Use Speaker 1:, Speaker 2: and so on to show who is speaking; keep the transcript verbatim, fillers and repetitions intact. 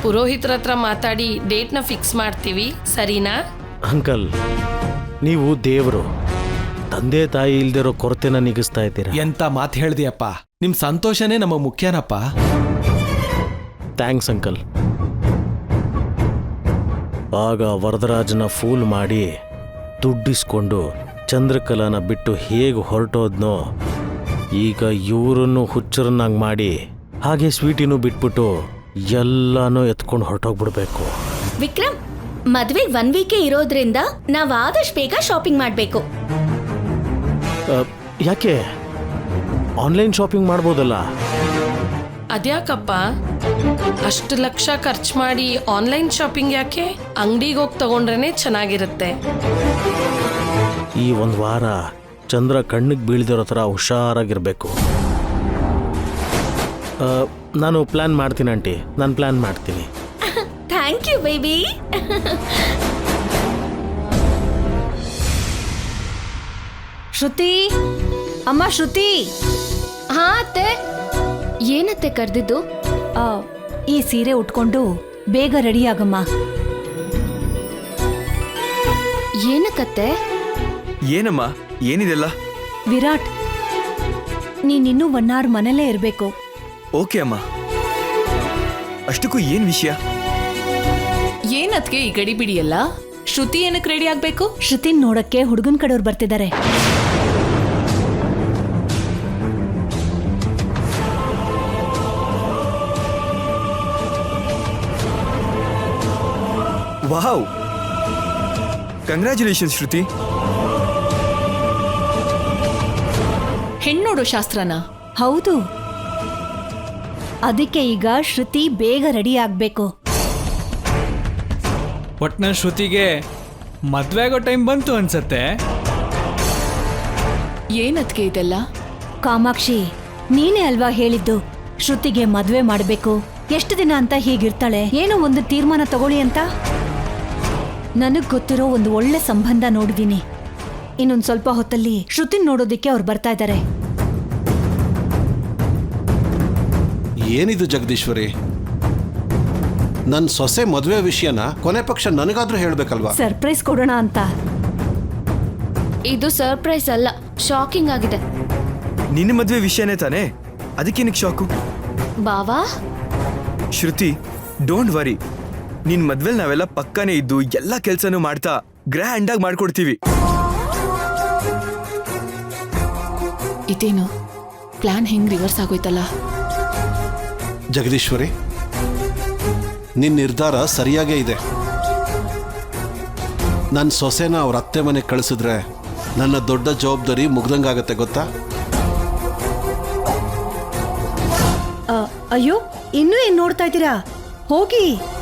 Speaker 1: ಪುರೋಹಿತರ ಹತ್ರ ಮಾತಾಡಿ ಡೇಟ್ನ ಫಿಕ್ಸ್ ಮಾಡ್ತೀವಿ, ಸರಿನಾ?
Speaker 2: ಅಂಕಲ್, ನೀವು ದೇವರು, ತಂದೆ ತಾಯಿ ಇಲ್ದಿರೋ ಕೊರತೆನ ನೀಗಿಸ್ತಾ ಇದ್ದೀರಾ.
Speaker 3: ಎಂತ ಮಾತು ಹೇಳ್ದಿಯಪ್ಪ, ನಿಮ್ ಸಂತೋಷನೇ ನಮ್ಮ ಮುಖ್ಯನಪ್ಪ.
Speaker 2: Thanks uncle. ಆಗ ವರದರಾಜನ ಫೂಲ್ ಮಾಡಿ ದುಡ್ಡಿಸ್ಕೊಂಡು ಚಂದ್ರಕಲಾನ ಬಿಟ್ಟು ಹೇಗೆ ಹೊರಟೋದ್ನೋ, ಈಗ ಇವರನ್ನು ಹುಚ್ಚರನ್ನಾಗಿ ಮಾಡಿ ಹಾಗೆ ಸ್ವೀಟಿನೂ ಬಿಟ್ಬಿಟ್ಟು ಎಲ್ಲಾನು ಎತ್ಕೊಂಡು ಹೊರಟೋಗ್ಬಿಡ್ಬೇಕು.
Speaker 4: ವಿಕ್ರಮ್, ಮದ್ವೆಗೆ ಒನ್ ವೀಕೆ ಇರೋದ್ರಿಂದ ನಾವ್ ಆದಷ್ಟು ಬೇಗ ಶಾಪಿಂಗ್ ಮಾಡ್ಬೇಕು.
Speaker 2: ಯಾಕೆ? ಆನ್ಲೈನ್ ಶಾಪಿಂಗ್ ಮಾಡ್ಬೋದಲ್ಲ?
Speaker 1: ಅದ್ಯಾಕಪ್ಪ ಅಷ್ಟು ಲಕ್ಷ ಖರ್ಚು ಮಾಡಿ ಆನ್ಲೈನ್ ಶಾಪಿಂಗ್ ಯಾಕೆ? ಅಂಗಡಿಗೆ ಹೋಗಿ ತಗೊಂಡ್ರೇನೆ ಚೆನ್ನಾಗಿರುತ್ತೆ.
Speaker 2: ಈ ಒಂದು ವಾರ ಚಂದ್ರ ಕಣ್ಣಿಗೆ ಬೀಳ್ದಿರೋ ಥರ ಹುಷಾರಾಗಿರ್ಬೇಕು. ನಾನು ಪ್ಲಾನ್ ಮಾಡ್ತೀನಿ ಆಂಟಿ, ನಾನು ಪ್ಲಾನ್ ಮಾಡ್ತೀನಿ.
Speaker 4: Thank you baby.
Speaker 5: ಶ್ರುತಿ, ಅಮ್ಮ ಶ್ರುತಿ.
Speaker 4: ಹಾ ಅತ್ತೆ. ಏನತ್ತೆ ಕರೆದಿದ್ದು?
Speaker 5: ಈ ಸೀರೆ ಉಟ್ಕೊಂಡು ಬೇಗ ರೆಡಿ ಆಗಮ್ಮ.
Speaker 4: ಏನಕ್ಕತ್ತೆ?
Speaker 6: ಏನಮ್ಮ, ಏನಿದೆಲ್ಲ?
Speaker 5: ವಿರಾಟ್, ನೀನಿನ್ನೂ ಒನ್ ಅವರ್ ಮನೇಲೇ ಇರಬೇಕು.
Speaker 6: ಓಕೆ ಅಮ್ಮ. ಅಷ್ಟಕ್ಕೂ ಏನ್ ವಿಷಯ?
Speaker 7: ಏನದ್ಕೆ ಈ ಗಡಿ ಬಿಡಿಯಲ್ಲ? ಶ್ರುತಿ ಏನಕ್ಕೆ ರೆಡಿ ಆಗ್ಬೇಕು?
Speaker 5: ಶ್ರುತಿನ್ ನೋಡಕ್ಕೆ ಹುಡುಗನ್ ಕಡೆಯವ್ರು ಬರ್ತಿದ್ದಾರೆ.
Speaker 6: Wow, congratulations Shruti.
Speaker 7: ಹೆಣ್ಣೋಡೋ ಶಾಸ್ತ್ರನ?
Speaker 5: ಹೌದು, ಅದಕ್ಕೆ ಈಗ ಶ್ರುತಿ ಬೇಗ ರೆಡಿ ಆಗ್ಬೇಕು.
Speaker 8: ಒಟ್ನ ಶ್ರುತಿಗೆ ಮದ್ವೆ ಆಗೋ ಟೈಮ್ ಬಂತು ಅನ್ಸತ್ತೆ.
Speaker 7: ಏನದ್ಕೆ ಇದೆಲ್ಲ?
Speaker 5: ಕಾಮಾಕ್ಷಿ, ನೀನೇ ಅಲ್ವಾ ಹೇಳಿದ್ದು ಶ್ರುತಿಗೆ ಮದ್ವೆ ಮಾಡ್ಬೇಕು, ಎಷ್ಟು ದಿನ ಅಂತ ಹೀಗಿರ್ತಾಳೆ, ಏನೋ ಒಂದು ತೀರ್ಮಾನ ತಗೊಳ್ಳಿ ಅಂತ. ನನಗ್ ಗೊತ್ತಿರೋ ಒಂದು ಒಳ್ಳೆ ಸಂಬಂಧ ನೋಡಿದೀನಿ. ಇನ್ನೊಂದ್ ಸ್ವಲ್ಪ ಹೊತ್ತಲ್ಲಿ ಶ್ರುತಿನ್ ನೋಡೋದಿಕ್ಕೆ ಅವ್ರು ಬರ್ತಾ ಇದ್ದಾರೆ.
Speaker 9: ಏನಿದು ಜಗದೀಶ್ವರಿ? ನನ್ನ ಸೊಸೆ ಮದುವೆ ವಿಷಯನ ಕೊನೆ ಪಕ್ಷ ನನಗಾದ್ರೂ ಹೇಳ್ಬೇಕಲ್ವಾ?
Speaker 5: ಸರ್ಪ್ರೈಸ್ ಕೊಡೋಣ ಅಂತ.
Speaker 4: ಇದು ಸರ್ಪ್ರೈಸ್ ಅಲ್ಲ, ಶಾಕಿಂಗ್ ಆಗಿದೆ.
Speaker 6: ನಿನ್ನ ಮದ್ವೆ ವಿಷಯನೇ ತಾನೇ, ಅದಕ್ಕೇನಕ್ಕೆ ಶಾಕು?
Speaker 4: ಬಾವಾ
Speaker 6: ಶ್ರುತಿ, ಡೋಂಟ್ ವರಿ. ನಿನ್ ಮದ್ವೆಲ್ ನಾವೆಲ್ಲ ಪಕ್ಕನೇ ಇದ್ದು ಎಲ್ಲ ಕೆಲ್ಸನೂ ಮಾಡ್ತಾ ಗ್ರ್ಯಾಂಡ್ ಆಗಿ ಮಾಡ್ಕೊಡ್ತೀವಿ.
Speaker 7: ಇದೇನು ಪ್ಲಾನ್ ಹೆಂಗ್ ರಿವರ್ಸ್ ಆಗೋಯ್ತಲ್ಲ?
Speaker 9: ಜಗದೀಶ್ವರಿ, ನಿನ್ನ ನಿರ್ಧಾರ ಸರಿಯಾಗೇ ಇದೆ. ನನ್ನ ಸೊಸೆನ ಅವ್ರ ಅತ್ತೆ ಮನೆಗೆ ಕಳಿಸಿದ್ರೆ ನನ್ನ ದೊಡ್ಡ ಜವಾಬ್ದಾರಿ ಮುಗ್ದಂಗಾಗತ್ತೆ, ಗೊತ್ತಾ?
Speaker 5: ಅಯ್ಯೋ, ಇನ್ನೂ ಏನ್ ನೋಡ್ತಾ ಇದ್ದೀರಾ? ಹೋಗಿ.